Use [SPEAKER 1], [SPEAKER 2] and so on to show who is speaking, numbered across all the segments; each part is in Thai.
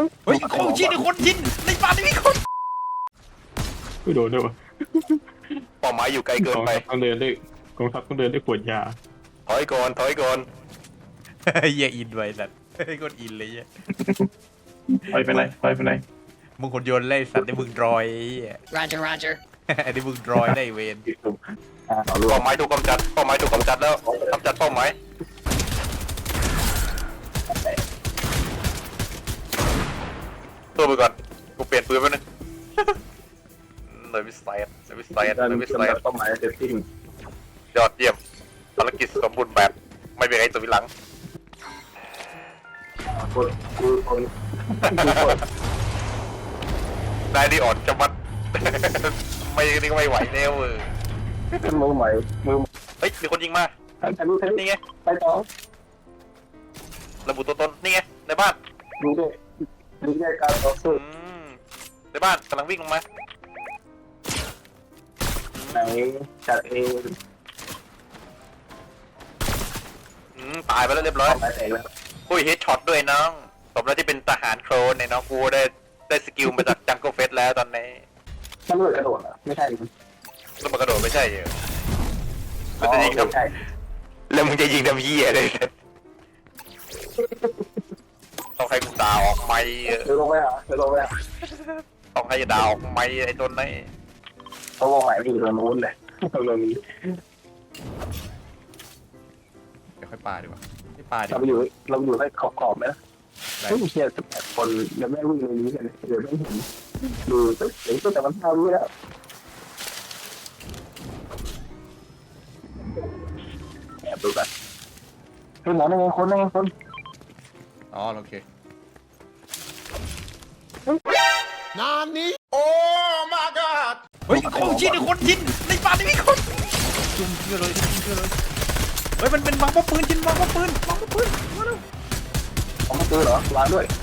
[SPEAKER 1] เฮ้ยคนชินคนชินในป่านี่มีคน
[SPEAKER 2] ไม่โดนด้วยวะ
[SPEAKER 3] เป้าหมายอยู่ไกลเกินไป
[SPEAKER 2] ต้องเดินได้กองทัพต้องเดินได้ขวดยา
[SPEAKER 3] ถอยก่อนถอยก่อน
[SPEAKER 1] เหี้ยอินไว้สัตว์โคตรอินเลยเหี้ย
[SPEAKER 2] ไปไหนไปไหน
[SPEAKER 1] มึงคนโยนเลยสัตว์ได้มึงรอยไอ้
[SPEAKER 4] Roger, Roger.
[SPEAKER 1] ไอ้ได้มึงรอยได้เวน
[SPEAKER 3] เป้าหมายถูกกำจัดเป้าหมายถูกกำจัดแล้วกำจัดเป้าหมายตัวไปก่อนกูเปลี่ยนปืนไปนึงเลยวิสัยเลยวิสัยเลยวิสัย
[SPEAKER 2] เป้าหมายเซตติ้ง
[SPEAKER 3] ยอดเยี่ยมภารกิจสมบูรณ์แบบไม่มีอะไรตัววิหลัง
[SPEAKER 2] คน
[SPEAKER 3] นายนี่อ่อนจะมัด ไม่นี่ก็ไม่ไหวแล้ว
[SPEAKER 2] มือใหม่มือ
[SPEAKER 3] เฮ้ยมีคนยิงมา
[SPEAKER 2] รู้เทป
[SPEAKER 3] นี่ไง
[SPEAKER 2] ไปต่อ
[SPEAKER 3] ระบุตัวตนนี่ไงในบ้าน
[SPEAKER 2] รู้ด้วยรู้ด้วยการต่อสู้
[SPEAKER 3] ในบ้านกำลังวิ่งลงมา
[SPEAKER 2] ไหนจัดเอง
[SPEAKER 3] ตายไปแล้วเรียบร้อย
[SPEAKER 2] หมายแตกแล้ว
[SPEAKER 3] คุยเฮดช็อตด้วยน้องสมแล้วที่เป็นทหารโครนเนี่ยน้องกูได้สกิลมาจากจังเกิลเฟสแล้วตอนนี้
[SPEAKER 2] มันเลยกระโดดเหรอไม่ใช่
[SPEAKER 3] แล้วมันกระโดดไม่ใช่เหรอแล้วจะยิงทำแล้วมึงจะยิงทำเหี้ยเลยต้องให้กูด่าออกไหม
[SPEAKER 2] เดี๋ยวลงไปหาเดี๋ยวลงไปหา
[SPEAKER 3] ต้องให้ด่าออกไหมไอ้ต้นนี้
[SPEAKER 2] เขาวงใหม่อยู่ตรงนู้นเลยตรงนี้
[SPEAKER 1] เดี๋ยวค่อยปาดีกว่าไม่ปาดีก
[SPEAKER 2] เรา
[SPEAKER 1] ว่า
[SPEAKER 2] อยู่ได้ขอบไหมนะไม่มีเชียร์18 คนยังไม่วิ่งในนี้กันเดี๋ยวไม่เห็นดูเดี๋ยวแต่มันทำรู้แล้วแอบดูกันเฮ้ยหมอนั่งไงคนนั่งไงคน
[SPEAKER 1] อ๋อโอเค เฮ้ยคนชินคนชินในป่านี่มีคนจุ่มเชื่อเลยจุ่มเชื่อเลยเฮ้ยมันเป็นวางป้อมปืนชินวางป้อมปืนวางป้อมปืนมาแล้ว
[SPEAKER 2] เขามาซื้อเหรอร้านด้วย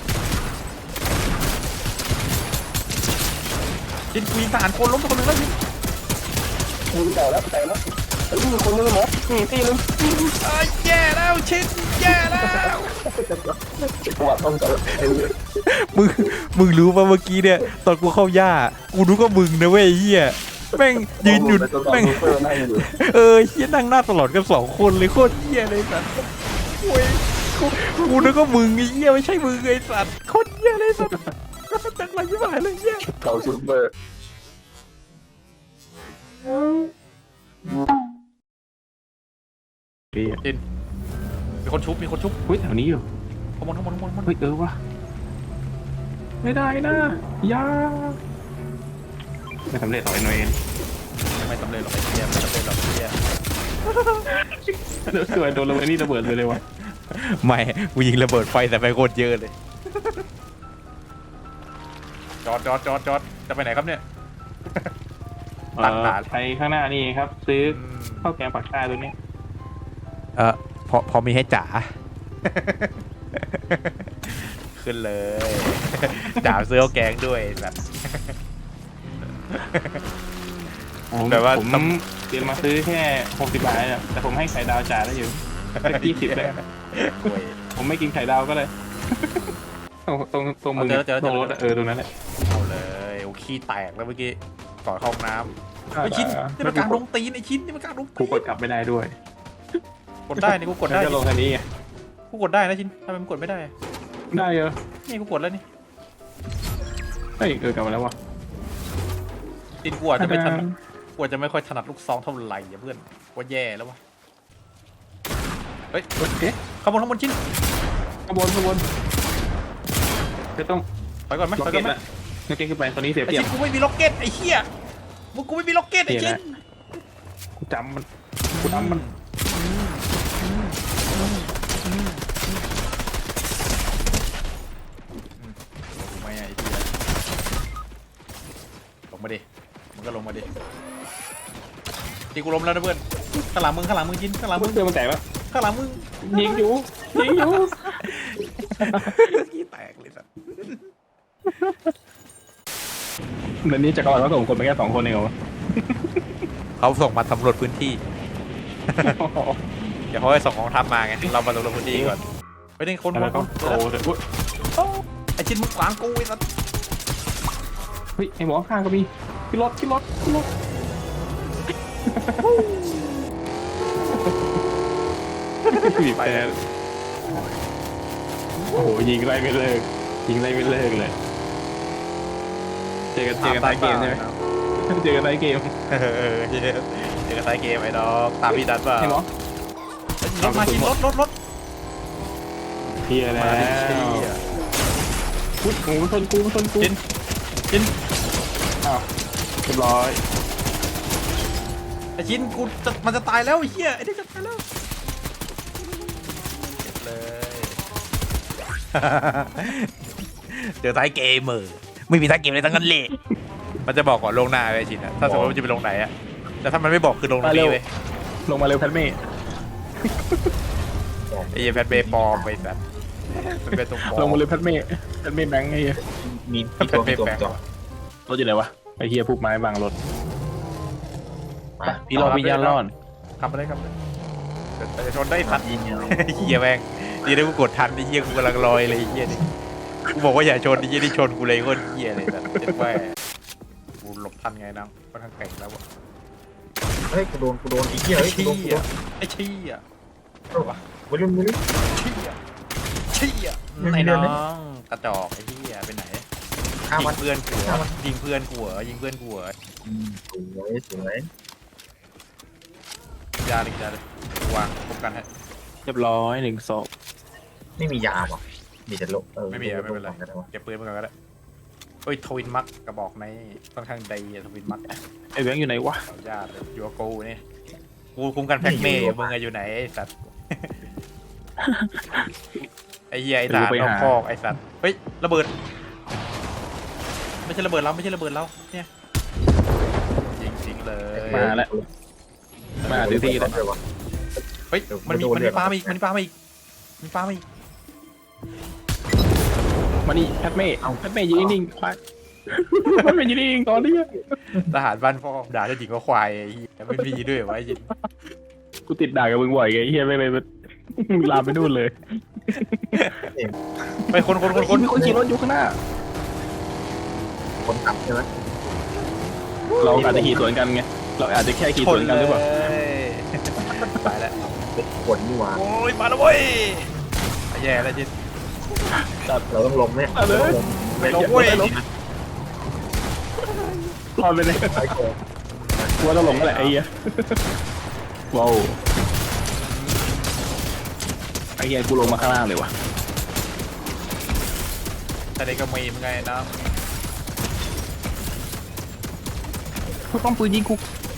[SPEAKER 1] ชินกูยิงทหารโคนล้มไปคนหนึงแล้วชิน
[SPEAKER 2] มีแต่แล้วเฮ้ยมีคนนึงหมอตีนึง
[SPEAKER 1] ไอ้แย่แล้วชินแย่แล้ว
[SPEAKER 2] จังหวะต้องจับ
[SPEAKER 1] มึงรู้ป่ะเมื่อกี้เนี่ยตอนกูเข้าย่ากูรู้ก็มึงนะเว้ยเฮียแม่งยืนอยู่แม่งเฮียนั่งหน้าตลอดกัน2 คนเลยโคตรเฮียเลยสัตว์โอ้ยกูนึกว่ามึงไอ้เฮียไม่ใช่มึงไอ้สัตว์โคตรเฮียเลยสัตว์จังไรยิ่งหายเลยเฮีย
[SPEAKER 2] เก่าซูเปอร์
[SPEAKER 1] จินมีคนชุบ
[SPEAKER 2] เฮ้ยแถวนี้อยู่
[SPEAKER 1] ข้างบน
[SPEAKER 2] เฮ้ยวะไม่ได้นะยาไม่สำเร็จหรอกไอ้หน่วย
[SPEAKER 1] ไม่สำเร็จหรอกไอ้เฮียไม่สำเร็จหรอกไอ้เฮีย
[SPEAKER 2] เดี๋ยวสวยโดนระเบิดนี่ระเบิดเลยวะ
[SPEAKER 1] ไม่กูยิงระเบิดไฟแต่ไฟโคตรเยอะเลยจอดจะไปไหนครับเนี่ย ตั้งด่าน
[SPEAKER 2] ไปข้างหน้านี่ครับ ซื้อข้าวแกงปักใต้ตัวนี้
[SPEAKER 1] พอมีให้จ๋า ขึ้นเลยจ๋าซื้อข้าวแกงด้วยแบบ แต่ว่า
[SPEAKER 2] ผมเตรียมมาซื้อแค่60 บาทเนี่ยแต่ผมให้ไข่ดาวจ่ายได้อยู่20เลยผมไม่กินไข่ดาวก็เลยตรงมือตรงรถตรงนั้นแหละ
[SPEAKER 1] เอาเลยโอ้ขี้แตกแล้วเมื่อกี้ก่อนเข้าห้องน้ำไอ้ชิ้นนี่มันกลางลงตีนไอ้ชิ้นนี่มันกลางลง
[SPEAKER 2] กู
[SPEAKER 1] ตีน
[SPEAKER 2] กดกลับไม่ได้ด้วย
[SPEAKER 1] กดได้นี่กูกดได้
[SPEAKER 2] จะลงคันนี้ไง
[SPEAKER 1] กูกดได้นะชิ้นทำไมมันกดไม่ได้
[SPEAKER 2] ได้เยอะ
[SPEAKER 1] นี่กูกดแล้วนี่
[SPEAKER 2] เฮ้ยกลับมาแล้ววะ
[SPEAKER 1] ชิ้นกูอาจจะไม่ถนัดกูอาจจะไม่ค่อยถนัดลูกซองเท่าไหร่อย่าเพื่อนว่าแย่แล้ววะเฮ้ย
[SPEAKER 2] เอ๊ะ
[SPEAKER 1] ข้างบนชิ้น
[SPEAKER 2] ขบวนจะต้อง
[SPEAKER 1] ไปก่อนไหม
[SPEAKER 2] ล็อก
[SPEAKER 1] ไป
[SPEAKER 2] เก็
[SPEAKER 1] ก่อนไหม
[SPEAKER 2] ตละล็อกเก็ตขึ้นไปตอนนี้เสีย
[SPEAKER 1] ไอ้
[SPEAKER 2] เปรียบ
[SPEAKER 1] ชิ้นกูไม่มีล็อกเก็ตไอ้เหี้ยกูไม่มีล็อกเก็ตไอ้ชิ้น
[SPEAKER 2] กูจำมัน
[SPEAKER 1] ไม่ไอ้เหี้ยลงมาดิมึงก็ลงมาดิตีกูล้มแล้วนะเพื่อนข้างหลังมึงชิ้นข้างหลังมึง
[SPEAKER 2] เจอมันแตกปะ
[SPEAKER 1] ข้างหลังมึง
[SPEAKER 2] ยิงอยู่
[SPEAKER 1] ขี้แตกเลยสัส
[SPEAKER 2] เดี๋ยวนี้จักรวาลเขาส่งคนไปแค่2 คนเองเหรอ
[SPEAKER 1] เขาส่งมาสำรวจพื้นที่ เดี๋ยวเขาให้ส่งกองทัพมาไงเรามาสำรวจพื้นที่ก่อนไปนี่คน
[SPEAKER 2] แล้วก็โตเลย
[SPEAKER 1] ไอ้ชิ้นมึงขวางกูไอ้สัส
[SPEAKER 2] เฮ้ยไอ้หมอข้างก็มีขึ้นรถบีบแต่โอ้โหยิงไล่ไม่เลิกเลยเจอกันท้ายเกมใช่ไหมเจอกันท้ายเกม
[SPEAKER 1] เจอกันท้ายเกมไอ้ดอกตามพี่ดันเปล่า
[SPEAKER 2] ไอ้หมอ
[SPEAKER 1] รถมาชิ้นรถ
[SPEAKER 2] เพียแล้วพุทธโอ้ชนกู
[SPEAKER 1] ชิ้น
[SPEAKER 2] อ้าวเรียบร้อย
[SPEAKER 1] ไอ้ชิ้นกูมันจะตายแล้วไอ้เหี้ยไอ้นี่จะตายแล้วเก็บเลย เจอท้ายเกมไม่มีท้ายเกมเลยทั้งนั้นเลยมันจะบอกก่อนลงหน้าไอ้ชิ้นอะถ้าสมมติมันจะไปลงไหนอะแต่ถ้ามันไม่บอกคือลงตรงนี้เว้ย
[SPEAKER 2] ลงมาเร็วแพทเม่
[SPEAKER 1] ไอ้เหี้ยแพทเบย์ปลอมไปสัตว์มันเป็นตรงปลอม
[SPEAKER 2] ลงมาเร็วแพทเม่แบงค์ไอ้เหี้ย
[SPEAKER 4] มี
[SPEAKER 1] แพทเบย์แบงค์
[SPEAKER 2] รถอยู่ไหนวะไอ้เหี้ยพวกไม้บังรถพี่รอพี่ย่านรอด
[SPEAKER 1] ขับไปเลยแต่จะชนได้ทัน
[SPEAKER 4] ยิงเนี่ย
[SPEAKER 1] เหี้ยแม่งดีนะกูกดทันไอ้เหี้ยกูกำลังลอยเลยไอ้เหี้ยนี่กูบอกว่าอย่าชนไอ้เหี้ยนี่ชนกูเลยโคตรเหี้ยเลยแบบเจ็บแม่กูหลบทันไงน้องค่อนข้างเก่งแล้ววะ
[SPEAKER 4] เฮ้ยกูโดนไอ้เหี้ย
[SPEAKER 1] ไอ้
[SPEAKER 4] เฮ้ยกู
[SPEAKER 1] เชี่
[SPEAKER 4] โดน
[SPEAKER 1] ยไอ้เชี่ย
[SPEAKER 4] วัยรุ่น
[SPEAKER 1] เชี่ยไอ้น้องกระจอกไอ้เหี้ยไปไหน
[SPEAKER 4] ข้า
[SPEAKER 1] ยิ
[SPEAKER 4] มัน
[SPEAKER 1] งเพื่อนกูเหรอยิงเพื่อนกูเหรอยิงเพื่อนกูเหรอ
[SPEAKER 4] สวย
[SPEAKER 1] ยาเลยวางพบกันฮะ
[SPEAKER 2] เรียบร้อย1 ศพ
[SPEAKER 4] ไม่มียาป่ะมีแต่โลไม่เป็นไร
[SPEAKER 1] เก็บปืนมาก่อนก็ได้เฮ้ยทวินมักกระบอกในค่อนข้างดีทวินมัก
[SPEAKER 2] ไอ้แบงค์อยู่ไหนวะ
[SPEAKER 1] ญาติอยู่กับกูนี่กูคุมกันแพ็กเมย์มึงอะอยู่ไหนไอ้สัตว์ไอ้เหี้ยไอ้ทหารนอกคอกไอ้สัตว์เฮ้ยระเบิดไม่ใช่ระเบิดเราเนี่ยยิงเลย
[SPEAKER 2] มาแล้วมาถึงที่แล้ว
[SPEAKER 1] เฮ้ยมันมีปลามาอีก
[SPEAKER 2] มานี่แพทเม่แพทเม่ยืนนิ่งๆควายแพทเม่ยืนนิ่งๆตอนนี้
[SPEAKER 1] ทหารบ้านพ่อด่าเจ้าหญิงก็ควายไอ้เหี้ยไม่มีด้วยวะไอ้ยิน
[SPEAKER 2] กูติดด่ากับมึงบ่อยไงเฮียไม่ลามไปนู่นเลย
[SPEAKER 1] ไปคน
[SPEAKER 2] มีคนขี่รถอยู่ข้างหน้า
[SPEAKER 4] คนขับใช่ไหม
[SPEAKER 2] เราอาจจะขี่สวนกันไงเราอาจจะแค่ขี่สวนกันหรือเปล่า
[SPEAKER 1] ตายแล้ว
[SPEAKER 4] ขนนี่หว่า
[SPEAKER 1] โอ้ยมาแล้วเว้ยแย่แล้วจิน
[SPEAKER 4] เราต้องลงเนี่ย
[SPEAKER 1] ไม่ลงเว้ย
[SPEAKER 2] รอดไปเลย
[SPEAKER 4] ไอ้โก
[SPEAKER 2] กลัวต้องหลงก็แหละไอ้เหี้ยว้าวไอ้เหี้ยกูลงมาข้างล่างเลยวะ
[SPEAKER 1] แต่เด็กก็มีมึงไงนะ
[SPEAKER 2] กูป้อมปืนยิงกู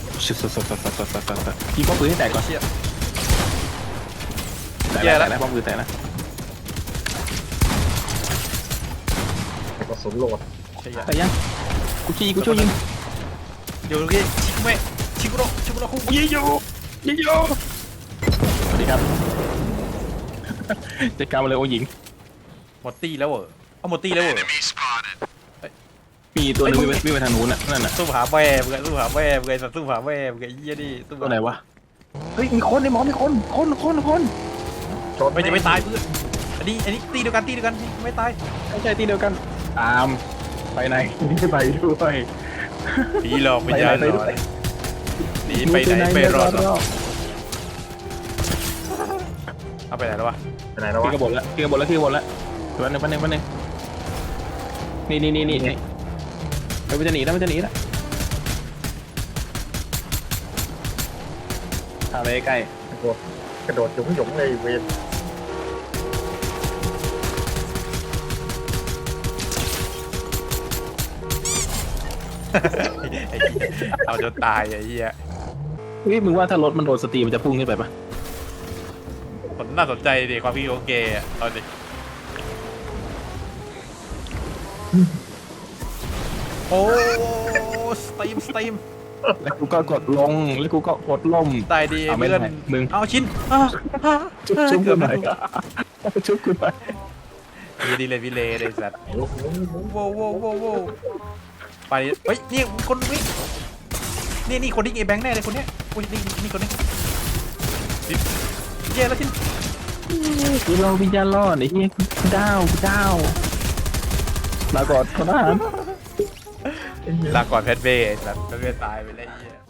[SPEAKER 2] ยิงป้อมปืนให้แตกก่อน
[SPEAKER 1] เชี่ย
[SPEAKER 2] แตกแล้วป้อมปืนแตกนะ
[SPEAKER 4] กระสุนโหลด
[SPEAKER 1] เชี่ย
[SPEAKER 2] แต่ยังกูช่วยยิง
[SPEAKER 1] อยู่ตรงนี้ชิคุโร่คุ
[SPEAKER 2] ยิงอยู่สวัสดีครับจัดการมาเลยโอ้หญิง
[SPEAKER 1] หมดตี้แล้วเหรอเอาหมดตี้แล้วเหรอ
[SPEAKER 2] มีตัวนึงวิ่งไปทางนู้นน่ะนั่นน่ะ
[SPEAKER 1] สู้หาแม่มึงไงสู้หาแม่มึงไงเยี่ยนี่สู้
[SPEAKER 2] ตัวไหนวะเฮ้ยมีคนในหมอมีคน
[SPEAKER 4] ชน
[SPEAKER 1] ไม่จะไม่ตายเพื่อนอันนี้ตีเดียวกันไม่ตาย
[SPEAKER 2] ไม่ใช่ที่เดียวกันตามไปไหนไม่ไปด้วย
[SPEAKER 1] ผีหลอกวิญญาณหลอนหนีไปไหนไม่รอดหรอกเอาไปไหนแล้ววะ
[SPEAKER 4] ไปไหนแล้ว
[SPEAKER 2] ขึ้
[SPEAKER 4] วะ
[SPEAKER 2] นกระบดแล้ววันนึงนี่มันจะหนีแล้วทางไปใกล้
[SPEAKER 4] กระโดดหยงเลยเวร
[SPEAKER 1] เอาจนตายไอ้เหี้ย
[SPEAKER 2] เฮ้ยมึงว่าถ้ารถมันโดนสตรีมันจะพุ่งขึ้นไปปะ
[SPEAKER 1] ผมน่าสนใจดิความพี่โอเคเอาดิโอ้สตีม
[SPEAKER 2] แล้วกูก็กดลงแล้วกูก็กดล่ม
[SPEAKER 1] ตายดีเพื่อน
[SPEAKER 2] มึง
[SPEAKER 1] เอาชิ้น
[SPEAKER 2] ชุบกูหน่อยชุบกูหน่อย
[SPEAKER 1] ยีดีเลยวิเลเลยสัตว์
[SPEAKER 4] ลูก
[SPEAKER 1] โว้ไปเฮ้ยนี่คนวิ่งนี่คนที่เอแบงค์แน่เลยคนเนี้ยนี่คนนี้เย้แล้วชิ้น
[SPEAKER 2] กูเราวิญญาณรอดไอ้เหี้ยกูดาว
[SPEAKER 5] ลาก่อนทหาร
[SPEAKER 1] ลาก่อนแพทเบ้แบบแพทเบ้ตายไปแล้วไอ้เหี้ย